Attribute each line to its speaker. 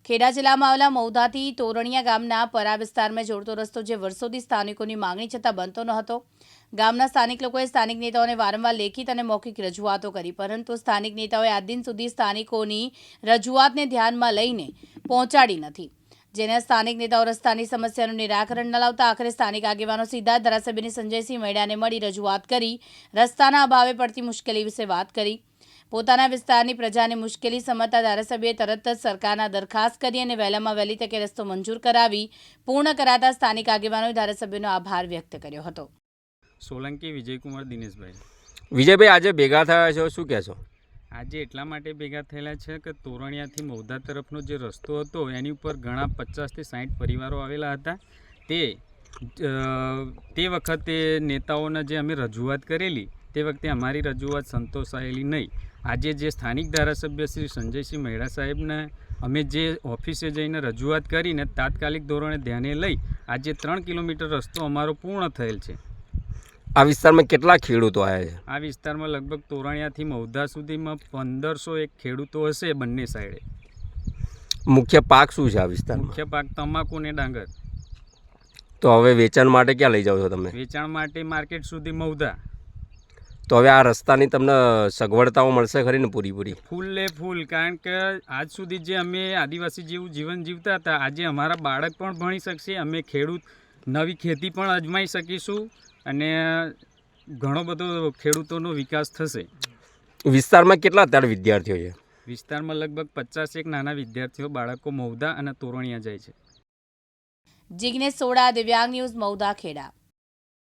Speaker 1: ખેડા જિલ્લામાં આવેલા મૌદાથી તોરણિયા ગામના પરા વિસ્તારમાં જોડતો રસ્તો જે વર્ષોથી સ્થાનિકોની માંગણી છતાં બનતો ન હતો. ગામના સ્થાનિક લોકોએ સ્થાનિક નેતાઓને વારંવાર લેખિત અને મૌખિક રજૂઆતો કરી, પરંતુ સ્થાનિક નેતાઓએ આજ દિન સુધી સ્થાનિકોની રજૂઆતને ધ્યાનમાં લઈને પહોંચાડી નથી. જેના સ્થાનિક નેતાઓ રસ્તાની સમસ્યાનું નિરાકરણ ન લાવતા આખરે સ્થાનિક આગેવાનો સીધા ધારાસભ્યની સંજયસિંહ મૈડાને મળી રજૂઆત કરી રસ્તાના અભાવે પડતી મુશ્કેલી વિશે વાત કરી. પોતાના વિસ્તારની પ્રજાને મુશ્કેલી સમજતા ધારાસભ્યએ તરત જ સરકારના દરખાસ્ત કરી અને વહેલામાં વહેલી તકે રસ્તો મંજૂર કરાવી પૂર્ણ કરાતા સ્થાનિક આગેવાનોએ ધારાસભ્યનો આભાર વ્યક્ત કર્યો હતો.
Speaker 2: સોલંકી વિજયકુમાર દિનેશભાઈ.
Speaker 3: વિજયભાઈ, આજે ભેગા થયા છો, શું કહેશો?
Speaker 2: આજે એટલા માટે ભેગા થયેલા છે કે તોરણિયાથી મૌદા તરફનો જે રસ્તો હતો એની ઉપર ઘણા 50 થી 60 પરિવારો આવેલા હતા. તે વખતે નેતાઓને જે અમે રજૂઆત કરેલી તે વખતે અમારી રજૂઆત સંતોષાયેલી નહીં. આજે જે સ્થાનિક ધારાસભ્ય શ્રી સંજયસિંહ મૈડા સાહેબને અમે જે ઓફિસે જઈને રજૂઆત કરીને તાત્કાલિક ધોરણે ધ્યાને લઈ આજે 3 કિલોમીટર રસ્તો અમારો પૂર્ણ થયેલ છે.
Speaker 3: આ વિસ્તારમાં કેટલા ખેડૂતો આવ્યા છે?
Speaker 2: આ વિસ્તારમાં લગભગ તોરણિયાથી મૌદા સુધીમાં 1501 ખેડૂતો હશે બંને સાઈડે.
Speaker 3: મુખ્ય પાક શું છે આ વિસ્તારમાં?
Speaker 2: મુખ્ય પાક તમાકુ ને ડાંગર.
Speaker 3: તો હવે વેચાણ માટે ક્યાં લઈ જાઓ છો તમે?
Speaker 2: વેચાણ માટે માર્કેટ સુધી મૌદા.
Speaker 3: તો હવે આ રસ્તાની તમને સગવડતાઓ મળશે ખરી ને પૂરી?
Speaker 2: ફૂલ, કારણ કે આજ સુધી જે અમે આદિવાસી જેવું જીવન જીવતા હતા આજે અમારા બાળક પણ ભણી શકશે, અમે ખેડૂત નવી ખેતી પણ અજમાઈ શકીશું અને ઘણો બધો ખેડૂતોનો વિકાસ થશે.
Speaker 3: વિસ્તારમાં કેટલા અત્યારે વિદ્યાર્થીઓ છે?
Speaker 2: વિસ્તારમાં લગભગ 50 નાના વિદ્યાર્થીઓ બાળકો મૌદા અને તોરણિયા જાય છે.
Speaker 1: જિગ્નેશ સોડા, દિવ્યાંગ ન્યૂઝ, મૌદા, ખેડા.